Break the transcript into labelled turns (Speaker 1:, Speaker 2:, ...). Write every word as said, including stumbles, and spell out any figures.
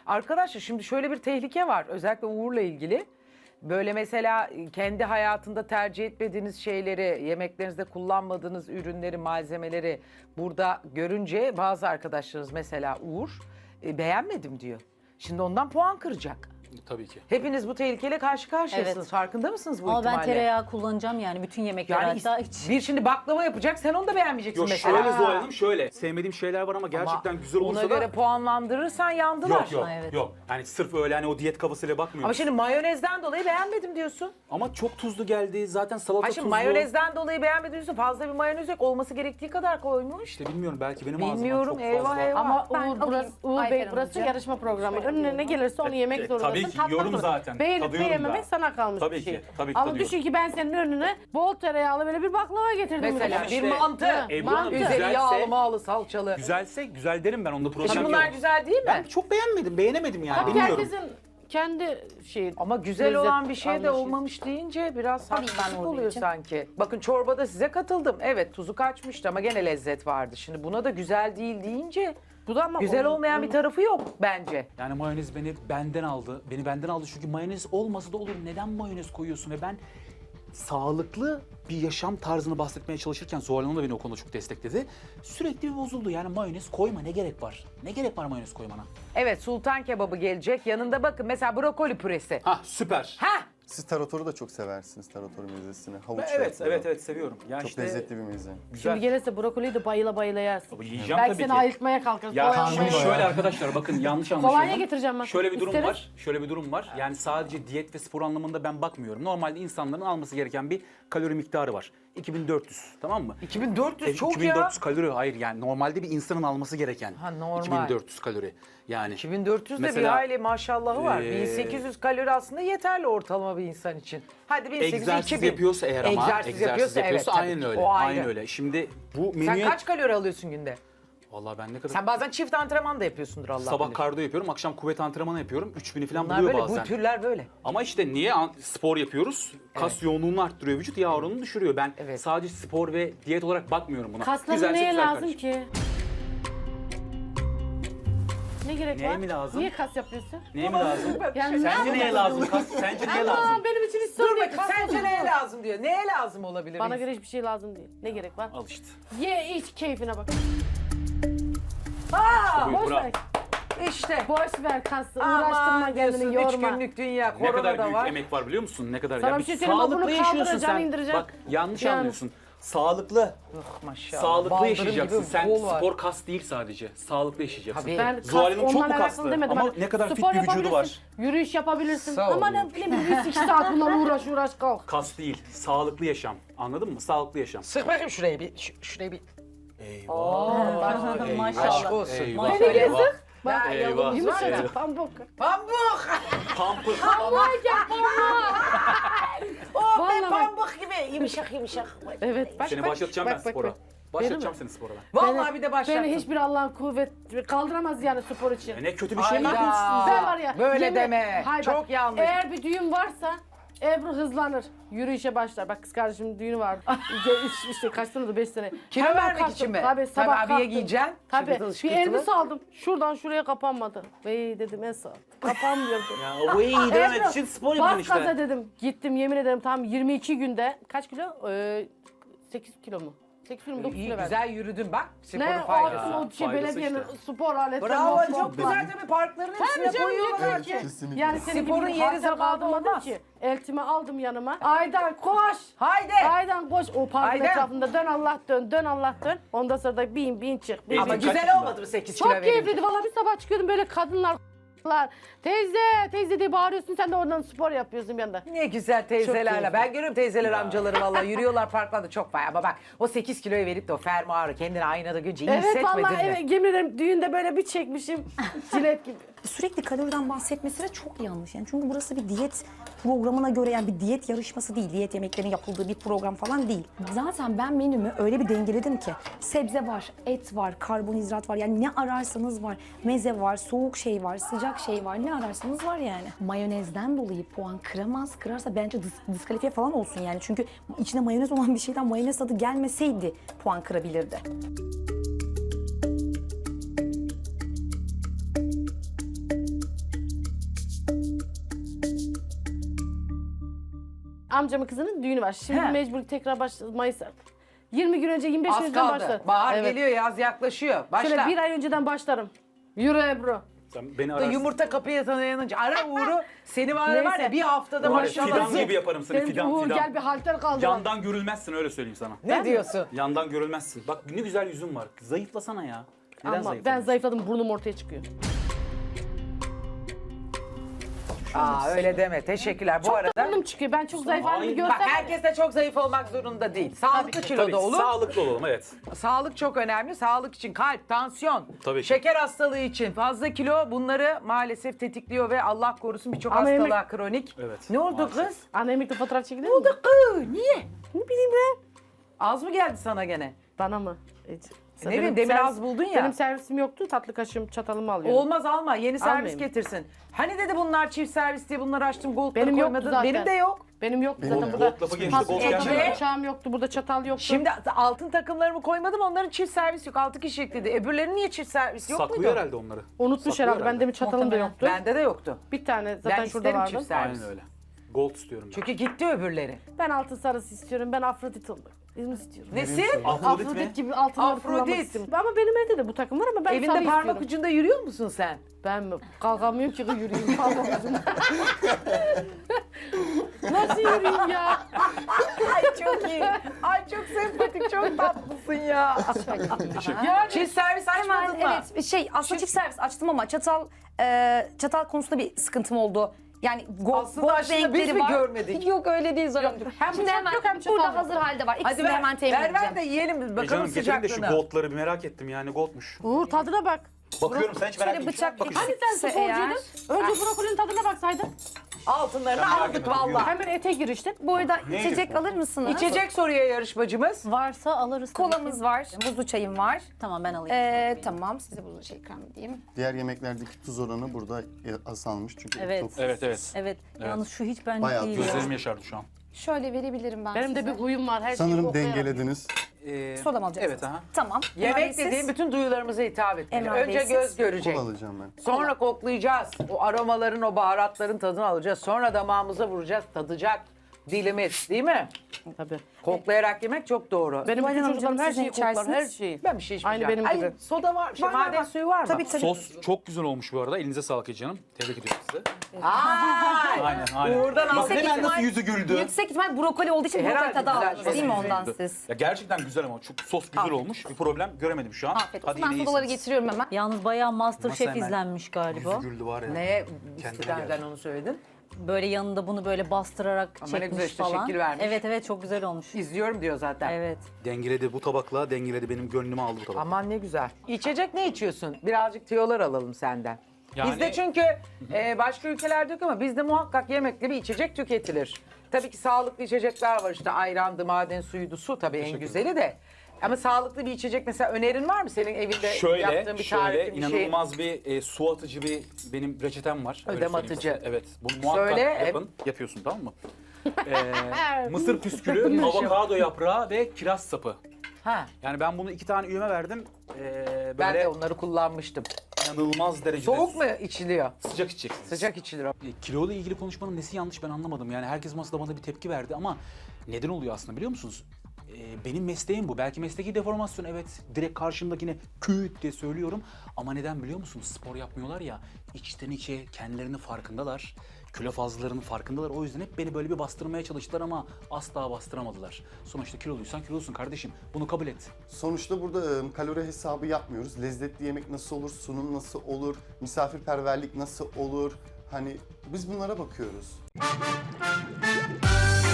Speaker 1: Arkadaşlar şimdi şöyle bir tehlike var. Özellikle Uğur'la ilgili. Böyle mesela kendi hayatında tercih etmediğiniz şeyleri, yemeklerinizde kullanmadığınız ürünleri, malzemeleri burada görünce bazı arkadaşlarınız mesela Uğur e, beğenmedim diyor. Şimdi ondan puan kıracak.
Speaker 2: Tabii ki.
Speaker 1: Hepiniz bu tehlikeyle karşı karşıyasınız.
Speaker 3: Evet.
Speaker 1: Farkında mısınız bu
Speaker 3: Ama
Speaker 1: ihtimalle?
Speaker 3: ben tereyağı kullanacağım yani bütün yemekler
Speaker 1: Yani
Speaker 3: hatta
Speaker 1: is-
Speaker 3: hiç.
Speaker 1: bir şimdi baklava yapacak, sen onu da beğenmeyeceksin
Speaker 2: Yok
Speaker 1: mesela.
Speaker 2: şöyle Zuhal Hanım şöyle. Sevmediğim şeyler var ama gerçekten
Speaker 1: Ama
Speaker 2: güzel olursa
Speaker 1: ona
Speaker 2: da...
Speaker 1: göre puanlandırırsan yandılar.
Speaker 2: Yok yok
Speaker 3: Ha, evet.
Speaker 2: yok. Yani sırf öyle hani o diyet kafasıyla bakmıyorum.
Speaker 1: Ama şimdi mayonezden dolayı beğenmedim diyorsun.
Speaker 2: Ama çok tuzlu geldi. Zaten salata
Speaker 1: Ha şimdi
Speaker 2: tuzlu.
Speaker 1: mayonezden dolayı beğenmedim diyorsun. Fazla bir mayonez yok. Olması gerektiği kadar koymuş.
Speaker 2: İşte bilmiyorum belki benim ağzımdan
Speaker 1: Bilmiyorum,
Speaker 2: çok
Speaker 1: eyvah,
Speaker 2: fazla.
Speaker 1: eyvah.
Speaker 4: Ama
Speaker 5: Ben
Speaker 4: Uğur,
Speaker 5: alayım.
Speaker 4: burası, Uğur
Speaker 5: Ayfer
Speaker 4: Bey burası
Speaker 5: Hanımcığım.
Speaker 4: yarışma programı.
Speaker 5: Şöyle
Speaker 4: Önüne ne
Speaker 5: diyorum.
Speaker 4: gelirse onu yemek
Speaker 2: E,
Speaker 4: zorundasın.
Speaker 2: tabii ki
Speaker 4: tatmak
Speaker 2: yiyorum
Speaker 4: zorundasın.
Speaker 2: zaten.
Speaker 4: Beğenip
Speaker 2: Tadıyorum
Speaker 4: beğenmemek
Speaker 2: da.
Speaker 4: sana kalmış
Speaker 2: Tabii
Speaker 4: bir şey.
Speaker 2: ki, tabii ki
Speaker 4: Ama
Speaker 2: tadıyorum.
Speaker 4: düşün ki ben senin önüne bol tereyağlı böyle bir baklava getirdim.
Speaker 1: Mesela
Speaker 2: Ama
Speaker 1: bir
Speaker 2: işte-
Speaker 1: mantı.
Speaker 4: Ha,
Speaker 2: Ebru Hanım,
Speaker 4: mantı.
Speaker 1: Üzeri
Speaker 2: güzelse-
Speaker 1: yağlı mağlı salçalı.
Speaker 2: Güzelse güzel derim ben onda
Speaker 1: E
Speaker 2: problem
Speaker 1: şimdi
Speaker 2: yok.
Speaker 1: bunlar güzel değil mi?
Speaker 2: Ben çok beğenmedim, beğenemedim yani
Speaker 4: Tabii
Speaker 2: bilmiyorum.
Speaker 4: herkesin kendi şeyi.
Speaker 1: Ama güzel
Speaker 4: lezzet
Speaker 1: olan bir şey de
Speaker 4: anlayışı.
Speaker 1: olmamış deyince biraz
Speaker 5: Tabii ben
Speaker 1: haksızlık
Speaker 5: olduğu
Speaker 1: oluyor
Speaker 5: için.
Speaker 1: sanki. Bakın çorbada size katıldım. Evet tuzu kaçmıştı ama gene lezzet vardı. Şimdi buna da güzel değil deyince
Speaker 4: Bu da ama
Speaker 1: güzel
Speaker 4: onun-
Speaker 1: olmayan bir tarafı yok bence.
Speaker 2: Yani mayonez beni benden aldı. Beni benden aldı çünkü mayonez olmasa da olur. Neden mayonez koyuyorsun? Ve ben sağlıklı bir yaşam tarzını bahsetmeye çalışırken Zuhal Hanım da beni o konuda çok destekledi. Sürekli bir bozuldu. Yani mayonez koyma ne gerek var? Ne gerek var mayonez koymana?
Speaker 1: Evet sultan kebabı gelecek. Yanında bakın mesela brokoli püresi.
Speaker 2: Hah süper.
Speaker 1: Ha
Speaker 6: Siz taratoru da çok seversiniz, tarator mezesini. Havuç
Speaker 2: Evet,
Speaker 6: yapıyor.
Speaker 2: evet, evet seviyorum. Ya
Speaker 6: Çok
Speaker 2: işte
Speaker 6: lezzetli bir meze.
Speaker 2: güzel.
Speaker 4: Şimdi gelirse brokoliyi de bayıla bayıla yersin.
Speaker 2: Tabii yiyeceğim
Speaker 4: Belki
Speaker 2: tabii
Speaker 4: seni
Speaker 2: ki.
Speaker 4: ayıltmaya kalkarız.
Speaker 2: Ya
Speaker 4: Kolonya
Speaker 2: şimdi
Speaker 4: bayıla.
Speaker 2: şöyle arkadaşlar bakın yanlış anlaşılma.
Speaker 4: Kolonya getireceğim ben.
Speaker 2: Şöyle bir durum
Speaker 4: İsteriz.
Speaker 2: var. Şöyle bir durum var. Yani sadece diyet ve spor anlamında ben bakmıyorum. Normalde insanların alması gereken bir kalori miktarı var. iki bin dört yüz tamam mı?
Speaker 1: iki bin dört yüz
Speaker 2: E,
Speaker 1: çok
Speaker 2: iki bin dört yüz
Speaker 1: ya.
Speaker 2: kalori hayır yani normalde bir insanın alması gereken.
Speaker 1: Ha, normal.
Speaker 2: iki bin dört yüz kalori. Yani
Speaker 1: iki bin dört yüz de bir
Speaker 2: Mesela,
Speaker 1: hayli maşallahı var.
Speaker 2: ee,
Speaker 1: bin sekiz yüz kalori aslında yeterli ortalama bir insan için. Hadi bin sekiz yüz
Speaker 2: egzersiz
Speaker 1: iki bin.
Speaker 2: yapıyorsa eğer ama
Speaker 1: egzersiz, yapıyorsa, evet, tabii
Speaker 2: aynen
Speaker 1: ki.
Speaker 2: öyle.
Speaker 1: O ayrı.
Speaker 2: Aynen öyle. Şimdi bu
Speaker 1: Sen
Speaker 2: menüye
Speaker 1: kaç kalori alıyorsun günde?
Speaker 2: vallahi ben ne kadar
Speaker 1: Sen bazen çift antrenman da yapıyorsundur Allah
Speaker 2: sabah
Speaker 1: bilir.
Speaker 2: kardiyo yapıyorum, akşam kuvvet antrenmanı yapıyorum. üç bini falan
Speaker 1: Bunlar
Speaker 2: buluyor
Speaker 1: böyle,
Speaker 2: bazen.
Speaker 1: bu türler böyle.
Speaker 2: Ama işte niye an- spor yapıyoruz? Kas yoğunluğunu arttırıyor, vücut yağ oranını düşürüyor. Ben
Speaker 1: Evet.
Speaker 2: sadece spor ve diyet olarak bakmıyorum buna.
Speaker 4: Kasların
Speaker 2: Güzelse
Speaker 4: neye
Speaker 2: güzel
Speaker 4: lazım
Speaker 2: kardeşim.
Speaker 4: ki? Ne gerek
Speaker 2: Neye
Speaker 4: var?
Speaker 2: mi lazım?
Speaker 4: Niye kas yapıyorsun?
Speaker 2: Neye mi lazım?
Speaker 4: Yani
Speaker 2: Sence
Speaker 4: ne
Speaker 2: neye lazım? Kas, sence neye lazım?
Speaker 4: Aa, benim için hiç
Speaker 1: Dur
Speaker 4: sorun değil.
Speaker 1: bakayım
Speaker 4: Kas
Speaker 1: sence
Speaker 4: yapıyorsun.
Speaker 1: neye lazım diyor. Neye lazım olabilir?
Speaker 4: Bana
Speaker 1: insan?
Speaker 4: göre hiçbir şey lazım değil. Ne gerek var?
Speaker 2: Al işte.
Speaker 4: Ye iç keyfine bak.
Speaker 1: Aa,
Speaker 2: Buyur,
Speaker 4: Boş
Speaker 2: bravo.
Speaker 4: ver.
Speaker 1: işte.
Speaker 4: Boş ver kası. Uğraştırma
Speaker 1: Aman diyorsun
Speaker 4: kendini
Speaker 1: üç
Speaker 4: yorma.
Speaker 1: günlük dünya.
Speaker 2: Ne
Speaker 1: Korona
Speaker 2: kadar
Speaker 1: da
Speaker 2: büyük
Speaker 1: var.
Speaker 2: emek var biliyor musun? Ne kadar
Speaker 4: Sana
Speaker 2: ya.
Speaker 4: bir şey söyleyeyim mi?
Speaker 2: Sağlıklı
Speaker 4: Bunu
Speaker 2: yaşıyorsun
Speaker 4: kaldıracaksın,
Speaker 2: sen.
Speaker 4: indireceksin.
Speaker 2: Bak yanlış
Speaker 4: Yani.
Speaker 2: anlıyorsun. Sağlıklı.
Speaker 1: Oh, maşallah.
Speaker 2: Sağlıklı
Speaker 1: Baldırım
Speaker 2: yaşayacaksın.
Speaker 1: gibi
Speaker 2: Sen
Speaker 1: bol var.
Speaker 2: spor kas değil sadece. Sağlıklı yaşayacaksın.
Speaker 1: Tabii.
Speaker 4: Ben kas,
Speaker 2: Zuhal Hanım çok
Speaker 4: onunla
Speaker 2: mu
Speaker 4: alakalı
Speaker 2: kaslı?
Speaker 4: demedim.
Speaker 2: Ama
Speaker 4: Hani
Speaker 2: ne kadar fit
Speaker 4: spor
Speaker 2: bir vücudu
Speaker 4: yapabilirsin,
Speaker 2: var.
Speaker 4: Yürüyüş yapabilirsin.
Speaker 1: Sağ ol.
Speaker 4: Ama ne bileyim bir iki saat bundan uğraş uğraş kalk.
Speaker 2: Kas değil. Sağlıklı yaşam. Anladın mı? Sağlıklı yaşam.
Speaker 1: Sık bakayım şuraya bir. Şu- şuraya bir.
Speaker 2: Eyvah.
Speaker 1: Aşk
Speaker 3: Maşallah.
Speaker 1: olsun.
Speaker 2: Eyvah.
Speaker 4: Beni
Speaker 2: Eyvah.
Speaker 4: yazık.
Speaker 1: Bak,
Speaker 2: Eyvah.
Speaker 1: yolumuz var ya.
Speaker 4: Yumuşacık pamuk.
Speaker 1: Pamuk.
Speaker 2: Pampır.
Speaker 4: Pamuk ya pamuk.
Speaker 1: Oh be
Speaker 4: Vallahi bak.
Speaker 1: pamuk gibi. Yumuşak yumuşak.
Speaker 4: Evet bak
Speaker 2: Seni
Speaker 4: bak.
Speaker 2: başlatacağım
Speaker 4: bak,
Speaker 2: ben
Speaker 4: bak,
Speaker 2: spora.
Speaker 4: bak.
Speaker 2: Başlatacağım
Speaker 4: Benim
Speaker 2: seni spora ben.
Speaker 1: Vallahi bir de başlattım.
Speaker 4: Beni hiçbir Allah'ın kuvvet kaldıramaz yani spor için.
Speaker 2: E ne kötü bir şey mi
Speaker 1: Hayda.
Speaker 2: yapıyorsun?
Speaker 4: Ben var ya.
Speaker 1: Böyle
Speaker 4: yemin-
Speaker 1: deme.
Speaker 4: Hayır,
Speaker 1: Çok
Speaker 4: bak,
Speaker 1: yanlış.
Speaker 4: Eğer bir düğün varsa Ebru hızlanır. Yürüyüşe başlar. Bak kız kardeşimin düğünü vardı. Ge- üç, işte kaç sene oldu? Beş sene.
Speaker 1: Kilo
Speaker 4: Hemen
Speaker 1: vermek
Speaker 4: kalktım.
Speaker 1: için mi?
Speaker 4: Tabii sabah
Speaker 1: Tabii, abiye
Speaker 4: kalktım.
Speaker 1: giyeceksin.
Speaker 4: Tabii.
Speaker 1: Şıkırtılı
Speaker 4: Bir
Speaker 1: şıkırtılı.
Speaker 4: elbise aldım. Şuradan şuraya kapanmadı. Vey dedim Esat. Kapanmıyordu.
Speaker 2: Ya o iyi demek için spor yapacaksın
Speaker 4: Bas gaza
Speaker 2: işte.
Speaker 4: dedim. Gittim yemin ederim tam yirmi iki günde. Kaç kilo? Ee, sekiz kilo mu? sekiz kilo mu? dokuz
Speaker 1: İyi,
Speaker 4: kilo verdim.
Speaker 1: güzel yürüdün bak. Sporun
Speaker 4: Ne
Speaker 1: faydası.
Speaker 4: o, o şey
Speaker 2: faydası
Speaker 4: belediyenin
Speaker 2: işte.
Speaker 4: spor aletleri.
Speaker 1: Bravo
Speaker 4: var,
Speaker 1: çok
Speaker 4: var.
Speaker 1: güzel tabii parkların hepsine
Speaker 4: Tabii canım
Speaker 1: koyuyorlar.
Speaker 4: yeter ki.
Speaker 6: Kesinlikle.
Speaker 4: Yani senin
Speaker 1: Sporun
Speaker 4: gibi
Speaker 1: yeri
Speaker 4: yeri
Speaker 1: zamanı
Speaker 4: kaldırmadım
Speaker 1: olmaz.
Speaker 4: ki. Eltimi aldım yanıma. Aydan koş.
Speaker 1: Haydi.
Speaker 4: Aydan koş. O parkın
Speaker 1: Aydan.
Speaker 4: etrafında dön Allah dön, dön Allah dön. Ondan sonra da bin bin çık. Bin,
Speaker 1: Ama
Speaker 4: bin.
Speaker 2: kaç
Speaker 1: güzel
Speaker 2: yaşında?
Speaker 1: olmadı mı sekiz kilo
Speaker 4: Çok
Speaker 1: verince?
Speaker 4: keyifliydi. Vallahi bir sabah çıkıyordum böyle kadınlar teyze teyze diye bağırıyorsun sen de oradan spor yapıyorsun bir anda.
Speaker 1: Ne güzel teyzelerle.
Speaker 4: keyifli.
Speaker 1: Ben görüyorum teyzeler amcaları vallahi yürüyorlar parklarda çok vay ama bak o sekiz kiloyu verip de o fermuarı kendini aynada görünce iyi
Speaker 4: Evet
Speaker 1: hissetmedin
Speaker 4: vallahi
Speaker 1: mi?
Speaker 4: evet, yemin ederim düğünde böyle bir çekmişim cilet gibi.
Speaker 5: Sürekli kaloriden bahsetmesi de çok yanlış. Yani çünkü burası bir diyet programına göre yani bir diyet yarışması değil. Diyet yemeklerinin yapıldığı bir program falan değil. Zaten ben menümü öyle bir dengeledim ki sebze var, et var, karbonhidrat var. Yani ne ararsanız var. Meze var, soğuk şey var, sıcak şey var. Ne ararsanız var yani. Mayonezden dolayı puan kıramaz. Kırarsa bence dis- diskalifiye falan olsun yani. Çünkü içine mayonez olan bir şeyden mayonez tadı gelmeseydi puan kırabilirdi.
Speaker 4: amcamın kızının düğünü var. Şimdi
Speaker 1: He.
Speaker 4: mecbur tekrar başladı Mayıs. yirmi gün önce, yirmi beş gün
Speaker 1: Az
Speaker 4: önceden
Speaker 1: kaldı.
Speaker 4: başlarım.
Speaker 1: Bahar
Speaker 4: Evet.
Speaker 1: geliyor, yaz yaklaşıyor. Başla.
Speaker 4: Şöyle bir ay önceden başlarım. Yürü Ebru.
Speaker 2: Sen beni
Speaker 1: Da
Speaker 2: ararsın.
Speaker 1: Yumurta kapıya dayanınca ara Uğur'u. Seni var ya, var ya
Speaker 4: Neyse.
Speaker 1: bir haftada
Speaker 2: Var ya,
Speaker 1: maşallah.
Speaker 2: fidan gibi yaparım seni,
Speaker 4: Dedim ki
Speaker 2: fidan
Speaker 4: Uğur
Speaker 2: fidan.
Speaker 4: gel bir halter kaldır.
Speaker 2: Yandan görülmezsin, öyle söyleyeyim sana.
Speaker 1: Ne diyorsun?
Speaker 2: Yandan görülmezsin. Bak ne güzel yüzün var. Zayıflasana ya. Neden
Speaker 4: Ama ben
Speaker 2: zayıflamıyorsun?
Speaker 4: zayıfladım, burnum ortaya çıkıyor.
Speaker 1: Aa öyle deme. Teşekkürler. Bu arada
Speaker 4: Burnum çıkıyor. Ben çok zayıf halimi
Speaker 2: Hayır.
Speaker 1: bak,
Speaker 4: görsem.
Speaker 1: herkes de çok zayıf olmak zorunda değil. Sağlıklı kiloda
Speaker 2: Tabii,
Speaker 1: olur.
Speaker 2: sağlıklı olalım, evet.
Speaker 1: Sağlık çok önemli. Sağlık için kalp, tansiyon,
Speaker 2: Tabii ki.
Speaker 1: şeker hastalığı için fazla kilo bunları maalesef tetikliyor ve Allah korusun birçok
Speaker 4: Ama
Speaker 1: hastalığa
Speaker 4: yemek-
Speaker 1: kronik.
Speaker 2: Evet,
Speaker 1: Ne oldu
Speaker 2: maalesef.
Speaker 1: kız?
Speaker 4: Anne emekli fotoğraf çekilir
Speaker 1: Ne
Speaker 4: mi?
Speaker 1: oldu kız? Niye?
Speaker 4: Ne bileyim ben.
Speaker 1: Az mı geldi sana gene?
Speaker 4: Bana mı? Hiç.
Speaker 1: Ne bileyim, demin az buldun ya.
Speaker 4: Benim servisim yoktu. Tatlı kaşığım, çatalımı alıyorum.
Speaker 1: Olmaz alma. Yeni servis
Speaker 4: Almayayım.
Speaker 1: getirsin. Hani dedi bunlar çift servis diye bunları açtım. Gold'ları
Speaker 4: Benim yoktu
Speaker 1: koymadın.
Speaker 4: zaten.
Speaker 1: Benim de yok.
Speaker 4: Benim yoktu
Speaker 6: Benim
Speaker 4: zaten
Speaker 6: de.
Speaker 4: burada.
Speaker 2: Gold lafı geçti,
Speaker 4: Pas-
Speaker 2: gold
Speaker 4: ekmeği
Speaker 1: gelmedi.
Speaker 4: bıçağım yoktu, burada çatal yoktu.
Speaker 1: Şimdi altın takımlarımı koymadım. Onların çift servis yok. Altı kişilik dedi. Öbürlerinin niye çift servis yok
Speaker 2: Saklıyor
Speaker 1: muydu?
Speaker 2: herhalde onları.
Speaker 4: Unutmuş
Speaker 2: Saklıyor
Speaker 4: herhalde. Bende bir çatalım da
Speaker 3: Muhtemelen.
Speaker 4: yoktu.
Speaker 1: Bende de yoktu.
Speaker 4: Bir tane zaten
Speaker 1: Ben
Speaker 4: şurada
Speaker 1: isterim
Speaker 4: vardı.
Speaker 1: çift servis.
Speaker 2: Aynen öyle. Gold istiyorum ben.
Speaker 1: Çünkü gitti öbürleri.
Speaker 4: Ben altın sarısı istiyorum. Ben Afrodit olmak istiyorum.
Speaker 1: Nesi?
Speaker 2: Afrodit mi?
Speaker 4: Afrodit gibi altınları
Speaker 1: Afrodit.
Speaker 4: kullanmak istiyorum. Ama benim evde de bu takım var ama ben
Speaker 1: Evinde
Speaker 4: sarı
Speaker 1: parmak
Speaker 4: istiyorum.
Speaker 1: ucunda yürüyor musun sen?
Speaker 4: Ben mi? Kalkamıyorum ki yürüyeyim parmak ucunda. Nasıl yürüyeyim ya?
Speaker 1: Ay çok iyi. Ay çok sempatik, çok tatlısın ya.
Speaker 4: Yani
Speaker 1: Çift servis
Speaker 5: Hemen
Speaker 1: açmadın mı?
Speaker 5: evet şey aslında çift servis açtım ama çatal e, çatal konusunda bir sıkıntım oldu. Yani gold,
Speaker 1: Aslında
Speaker 5: gold
Speaker 1: aslında biz
Speaker 5: renkleri
Speaker 1: mi
Speaker 5: var.
Speaker 1: görmedik?
Speaker 5: Yok öyle değil Zoran.
Speaker 4: hem
Speaker 5: Şimdi
Speaker 4: bıçak
Speaker 5: hemen
Speaker 4: yok, hem çatal
Speaker 5: burada
Speaker 4: yok.
Speaker 5: hazır halde var.
Speaker 1: Hadi
Speaker 5: İkisini de
Speaker 1: ver,
Speaker 5: hemen temin
Speaker 1: ver, ver
Speaker 5: edeceğim.
Speaker 1: de yiyelim
Speaker 2: E
Speaker 1: bakalım
Speaker 2: canım getirin de şu
Speaker 1: sıcaklığına.
Speaker 2: goldları bir merak ettim yani, goldmuş.
Speaker 4: Uğur tadına bak.
Speaker 2: Bakıyorum, sen hiç merak
Speaker 5: Şöyle
Speaker 2: etmiş
Speaker 5: bıçak
Speaker 2: misin? Bakıyorum.
Speaker 4: Hani sen
Speaker 5: Ise eğer-
Speaker 4: sporcuydun? Önce brokolinin tadına baksaydın.
Speaker 1: Altınlarını
Speaker 2: Ben merak
Speaker 1: aldık
Speaker 2: etmedim,
Speaker 1: valla.
Speaker 4: Hemen ete giriştin.
Speaker 5: Bu arada
Speaker 2: Ne
Speaker 5: içecek
Speaker 2: yiyorsun?
Speaker 5: alır mısınız?
Speaker 1: İçecek soruyor yarışmacımız.
Speaker 3: Varsa alırız tabii
Speaker 5: Kolamız
Speaker 3: ki.
Speaker 5: var, buzlu çayım var.
Speaker 3: Tamam ben alayım.
Speaker 5: Ee, tamam size buzlu çay ikram edeyim.
Speaker 6: Diğer yemeklerdeki tuz oranı burada azalmış çünkü
Speaker 3: Evet.
Speaker 6: çok
Speaker 2: Evet, evet.
Speaker 3: Evet. Yalnız şu hiç benlik
Speaker 6: Bayağı
Speaker 3: değil ya.
Speaker 2: Gözlerim yaşardı şu an.
Speaker 5: Şöyle verebilirim ben
Speaker 4: Benim de
Speaker 5: size.
Speaker 4: bir huyum var. Her şeyi
Speaker 6: sanırım
Speaker 4: koklayarak
Speaker 6: dengelediniz.
Speaker 2: Ee,
Speaker 5: Soda mı alacaksınız?
Speaker 2: Evet, aha.
Speaker 5: Tamam. Emrah Bey,
Speaker 1: Yemek
Speaker 5: siz?
Speaker 1: dediğim bütün duyularımıza hitap etmeli.
Speaker 5: Emrah Bey,
Speaker 1: Önce
Speaker 5: siz?
Speaker 1: göz görecek.
Speaker 6: Kola alacağım ben.
Speaker 1: Sonra koklayacağız. O aromaların, o baharatların tadını alacağız. Sonra damağımıza vuracağız, tadacak dilimiz, değil mi?
Speaker 4: Tabii.
Speaker 1: Koklayarak yemek çok doğru.
Speaker 4: Benim
Speaker 5: Bayram
Speaker 4: bütün çocuklarım her
Speaker 5: amcam,
Speaker 4: şeyi
Speaker 5: siz ne
Speaker 4: koklar, her
Speaker 5: içersiniz?
Speaker 4: şeyi.
Speaker 1: Ben bir şey içmeyeceğim.
Speaker 4: Aynı benim
Speaker 1: Ay,
Speaker 4: gibi.
Speaker 1: soda var, şey,
Speaker 5: Var, var,
Speaker 1: maden
Speaker 5: var.
Speaker 1: suyu var mı?
Speaker 5: Tabii tabii.
Speaker 2: Sos çok güzel olmuş bu arada. Elinize sağlık Ece Hanım. Tebrik ediyorum sizi.
Speaker 1: Ay!
Speaker 2: Aynen, aynen.
Speaker 1: Uğur'dan
Speaker 2: Bak
Speaker 1: aldık.
Speaker 5: Yüksek
Speaker 2: hemen nasıl
Speaker 5: ihtimal-
Speaker 2: yüzü güldü.
Speaker 5: Yüksek ihtimal brokoli olduğu için
Speaker 1: Herhalde
Speaker 5: brokoli tadı
Speaker 1: güzel,
Speaker 5: aldınız değil mi
Speaker 1: güzel.
Speaker 5: ondan
Speaker 2: Güldü.
Speaker 5: siz?
Speaker 2: Ya gerçekten güzel ama çok sos güzel
Speaker 1: Afiyet
Speaker 2: olmuş. Bir problem göremedim şu an.
Speaker 5: Afiyet olsun.
Speaker 2: Hadi
Speaker 5: Ben
Speaker 2: yine
Speaker 5: sodaları
Speaker 2: iyisiniz.
Speaker 5: getiriyorum hemen.
Speaker 3: Yalnız bayağı Masterchef
Speaker 2: hemen
Speaker 3: izlenmiş galiba.
Speaker 2: Yüzü güldü var ya.
Speaker 1: Neye
Speaker 2: Kendine
Speaker 1: istikaden
Speaker 2: gel.
Speaker 1: onu söyledin?
Speaker 3: Böyle yanında bunu böyle bastırarak
Speaker 1: Ama ne
Speaker 3: çekmiş
Speaker 1: güzel işte,
Speaker 3: falan.
Speaker 1: şekil vermiş.
Speaker 3: Evet evet çok güzel olmuş.
Speaker 1: İzliyorum diyor zaten.
Speaker 3: Evet.
Speaker 2: Dengeledi bu tabakla, dengeledi benim gönlümü aldı bu tabak.
Speaker 1: Aman ne güzel. İçecek ne içiyorsun? Birazcık tiyolar alalım senden.
Speaker 2: Yani-
Speaker 1: Bizde çünkü e, başka ülkelerde yok ama bizde muhakkak yemekli bir içecek tüketilir. Tabii ki sağlıklı içecekler var işte ayrandı, maden suyuydu, su tabii en güzeli de. Ama sağlıklı bir içecek mesela önerin var mı senin evinde
Speaker 2: Şöyle,
Speaker 1: yaptığın bir
Speaker 2: şöyle
Speaker 1: tarifin bir şey?
Speaker 2: inanılmaz bir e, su atıcı bir benim reçetem var. Öyle
Speaker 1: Ödem
Speaker 2: söyleyeyim
Speaker 1: atıcı.
Speaker 2: size. Evet. Bunu muhakkak
Speaker 1: Söyle,
Speaker 2: yapın. Yapıyorsun tamam mı? Ee, mısır püskülü, avokado yaprağı ve kiraz sapı.
Speaker 1: Ha,
Speaker 2: Yani ben bunu iki tane üyeme verdim. Ee,
Speaker 1: ben
Speaker 2: böyle
Speaker 1: de onları kullanmıştım.
Speaker 2: inanılmaz derecede
Speaker 1: Soğuk mu içiliyor?
Speaker 2: sıcak içeceksiniz.
Speaker 1: Sıcak içilir o.
Speaker 2: E, Kilo ile ilgili konuşmanın nesi yanlış ben anlamadım. Yani herkes masada bana bir tepki verdi ama neden oluyor aslında biliyor musunuz? E, benim mesleğim bu. Belki mesleki deformasyon, evet. Direkt karşımdakine küt diye söylüyorum. Ama neden biliyor musunuz? Spor yapmıyorlar ya. İçten içe kendilerinin farkındalar. Kilo fazlalarının farkındalar. O yüzden hep beni böyle bir bastırmaya çalıştılar ama asla bastıramadılar. Sonuçta kiloluysan kilolusun kardeşim. Bunu kabul et.
Speaker 6: Sonuçta burada e, kalori hesabı yapmıyoruz. Lezzetli yemek nasıl olur, sunum nasıl olur, misafirperverlik nasıl olur? Hani biz bunlara bakıyoruz.